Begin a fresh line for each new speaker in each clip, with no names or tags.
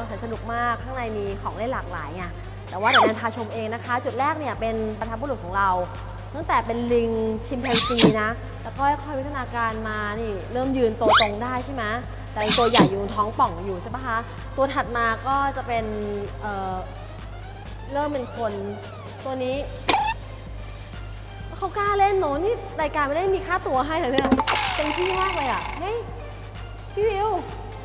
แสนสนุกมากข้างในมีของเล่นหลากหลายไงแต่ว่าเดี๋ยวแนนพาชมเองนะคะจุดแรกเนี่ยเป็นบรรพบุรุษของเราตั้งแต่เป็นลิงชิมแปนซีนะแล้วก็ค่อยๆวิวัฒนาการมานี่เริ่มยืนตัวตรงได้ใช่ไหมแต่ตัวใหญ่อยู่ท้องป่องอยู่ใช่ปะคะตัวถัดมาก็จะเป็นเริ่มเป็นคนตัวนี้เขากล้าเล่นเนอะนี่รายการไม่ได้มีค่าตัวให้เลยเนี่ยเต็มที่มากเลยอ่ะเฮ้ยพี่วิว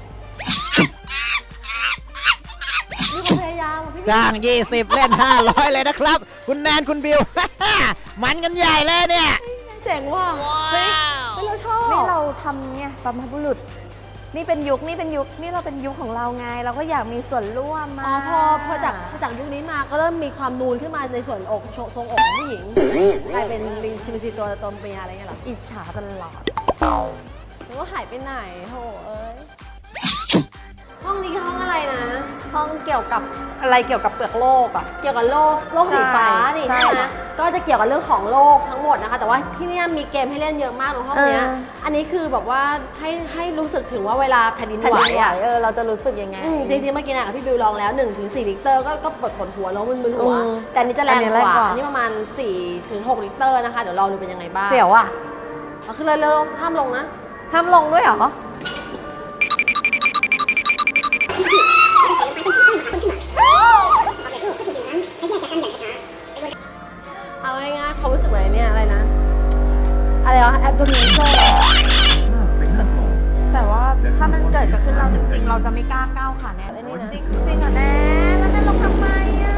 นี่เขาพยายามพี่วิว
จ้าง20เล่น500เลยนะครับคุณแนนคุณบิว มันกันใหญ่เลยเนี่ย
เจ๋งว่ะเฮ้ยเราชอบ
นี่เราทำเนี่ยบรรพบุรุษนี่เป็นยุคนี่เราเป็นยุคของเราไงเราก็อยากมีส่วนร่วมมา
พอจากยุคนี้มาก็เริ่มมีความนูนขึ้นมาในส่วนอกทรงอกของผู้หญิงกลายเป็นลิงชิมแปนซีตัวเมียอะไรเงี้ยหรอ
อิจฉาตลอด
หรือว่าหายไปไหนโหเอ้ยห้องนี้ห้องอะไรนะ
ห้องเกี่ยวกับอะไรเกี่ยวกับเปลือกโลกอ่ะ
เกี่ยวกับโลกสีฟ้านี่ใช่ไหมก็จะเกี่ยวกับเรื่องของโลกทั้งหมดนะคะแต่ว่าที่นี่มีเกมให้เล่นเยอะมากในห้องนี้อันนี้คือแบบว่าให้รู้สึกถึงว่าเวลาแผ่นดินไหว
เราจะรู้สึกยังไง
จริงๆเมื่อกี้นะพี่บิวลองแล้ว 1-4 ลิตรก็ปวดหัวแล้วมึนหัวแต่อันนี้จะแรงกว่าอันนี้ประมาณ 4-6 ลิตรนะคะเดี๋ยวลองดูเป็นยังไงบ้าง
เสียวอ่ะ
คือเลยห้ามลงนะ
ห้ามลงด้วยเหรอ
เอาง่ายๆเขารู้สึกอะไรเนี่ยอะไรนะอะไรวะแอปโดมิเนอร์
แต่ว่าถ้ามันเกิดขึ้นเราจริงๆเราจะไม่กล้าก้าวขาแน่เลยนี่นะจริงเหรอแน่แล้วนั่นลงทำไมอ่ะ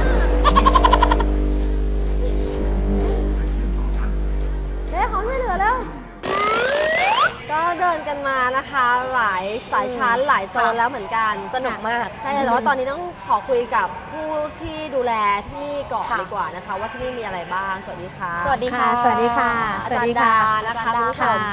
เดี๋ยวเขาช่วยเหลือแล้วก็เดินกันมานะคะหลายชั้นหลายโซนแล้วเหมือนกัน
สนุกมาก
ใช่แต่ว่าตอนนี้ต้องขอคุยกับผู้ที่ดูแลที่นี่ก่อนดีกว่านะคะว่าที่นี่มีอะไรบ้างสวัสดีค่ะ
สวัสดีค่ะ
สวัสดีค่ะอาจารย์ดานะคะคุณผู้ชม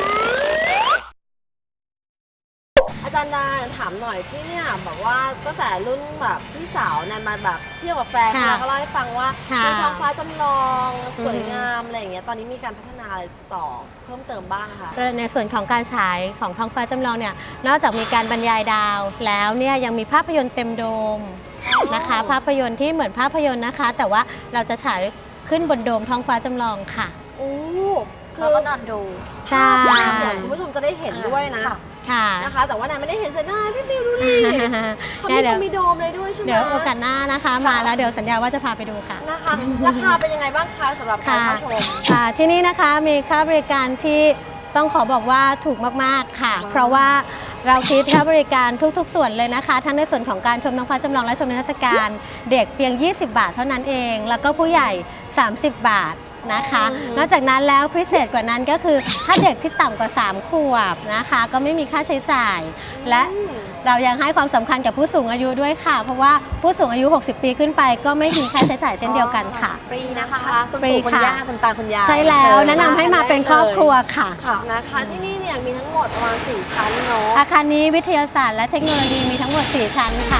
อาจารย์ดาถามหน่อยที่เนี่ยบอกว่าตั้งแต่รุ่นแบบพี่สาวเนี่ยมาแบบเที่ยวกับแฟนแล้วก็เล่าให้ฟังว่ามีท้องฟ้าจำลองสวยงามอะไรอย่างเงี้ยตอนนี้มีการพัฒนาอะไรต่อเพิ่มเติมบ้างคะ
ในส่วนของการฉายของท้องฟ้าจำลองเนี่ยนอกจากมีการบรรยายดาวแล้วเนี่ยยังมีภาพยนตร์เต็มโดมนะคะภาพยนตร์ที่เหมือนภาพยนตร์นะคะแต่ว่าเราจะฉายขึ้นบนโดมท้องฟ้าจำลองค่ะ
โอ้
คือก็นอนดู
ภาพเนี่ยคุณผู้ชมจะได้เห็นด้วยนะนะคะแต่ว่าแนนไม่ได้เห็นเซนหน้าพี่บิวดูดิเขามีโดมเลยด้วยใช่ไหม
เดี๋ยวโอกาสหน้านะคะมาแล้วเดี๋ยวสัญญาว่าจะพาไปดูค่ะ
นะคะราคาเป็นยังไงบ้างคะสำหรับการเข้าชม
ที่นี่นะคะมีค่าบริการที่ต้องขอบอกว่าถูกมากๆค่ะเพราะว่าเราคิดค่าบริการทุกๆส่วนเลยนะคะทั้งในส่วนของการชมท้องฟ้าจำลองและชมนิทรรศการเด็กเพียง20 บาทเท่านั้นเองแล้วก็ผู้ใหญ่30 บาทนะคะนอกจากนั้นแล้วพิเศษกว่านั้นก็คือถ้าเด็กที่ต่ำกว่า3 ขวบนะคะก็ไม่มีค่าใช้จ่ายและเรายังให้ความสำคัญกับผู้สูงอายุด้วยค่ะเพราะว่าผู้สูงอายุ60 ปีขึ้นไปก็ไม่มีค่าใช้จ่ายเช่นเดียวกันค่ะ
ฟรีนะคะ
ฟรีค่ะ
คุณตาคุณยาย
ใช่แล้วแนะนำให้มาเป็นครอบครัวค่ะ
นะคะที่นี่เนี่ยมีทั้งหมดประมาณ4 ชั้นเนาะ
อาคารนี้วิทยาศาสตร์และเทคโนโลยีมีทั้งหมด4 ชั้นค่ะ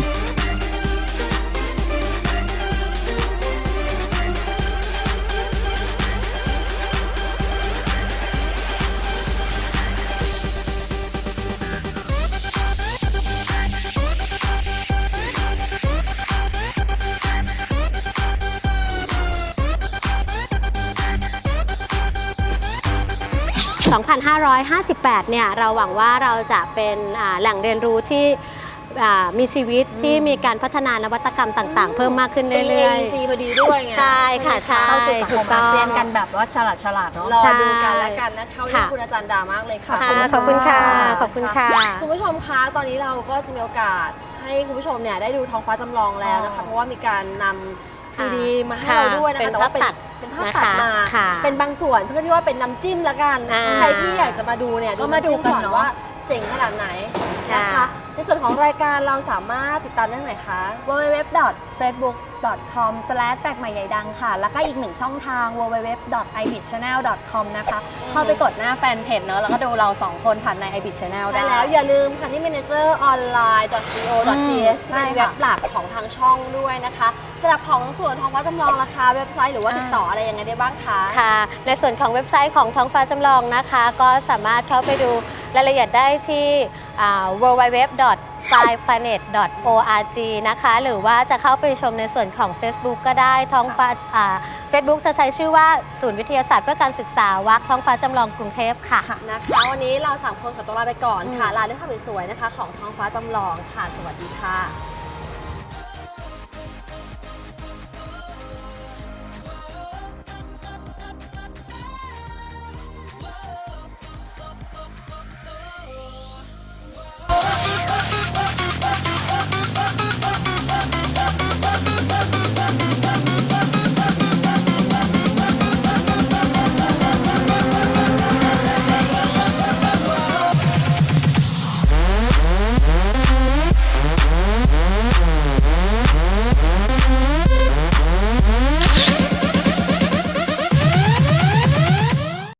2558 เนี่ยเราหวังว่าเราจะเป็นแหล่งเรียนรู้ที่มีชีวิตที่มีการพัฒนานวัตกรรมต่างๆเพิ่มมากขึ้นเรื่อย
ๆ AEC พอดีด้วยไง
ใช่ค่ะใช่
เข้าสู่สังคมอาเซียนกันแบบว่าฉลาดเนาะ
รอดูกันแล้วกันนะคะขอบคุณอาจารย์ดามากเลยค่ะ
ขอบคุณค่ะขอบคุณค่ะ
คุณผู้ชมคะตอนนี้เราก็จะมีโอกาสให้คุณผู้ชมเนี่ยได้ดูท้องฟ้าจำลองแล้วนะคะเพราะว่ามีการนำซีดีมาให้เราด้วยนะคะแต่ว่าเป็นภาพตัดมาเป็นบางส่วนเพื่อที่ว่าเป็นน้ำจิ้มละกันใครที่อยากจะมาดูเนี่ยก็มาดูกันว่าเจ๋งขนาดไหนนะคะในส่วนของรายการเราสามารถติดตามได้ไหนคะ
www.facebook.com/ แปลกใหม่ใหญ่ดังค่ะแล้วก็อีกหนึ่งช่องทาง www.ibitchannel.com นะคะเข้าไปกดหน้าแฟนเพจเนอะแล้วก็ดูเรา2 คนผ่านใน ibit channel ได้
แล้วอย่าลืมค่ะที่ manageronline.co.th ที่เป็นเว็บหลักของทางช่องด้วยนะคะสำหรับของส่วนท้องฟ้าจำลองราคาเว็บไซต์หรือว่าติดต่ออะไรยังไงได้บ้างคะ
ค่ะในส่วนของเว็บไซต์ของท้องฟ้าจำลองนะคะก็สามารถเข้าไปดูรายละเอียดได้ที่www.scienceplanet.org นะคะหรือว่าจะเข้าไปชมในส่วนของ Facebook ก็ได้ท้องฟ้าFacebook จะใช้ชื่อว่าศูนย์วิทยาศาสตร์เพื่อการศึกษาวักท้องฟ้าจำลองกรุงเทพค่ะ
นะคะวันนี้เรา3คนขอตัวลาไปก่อนค่ะลาด้วยภาพสวยๆนะคะของท้องฟ้าจำลองค่ะสวัสดีค่ะ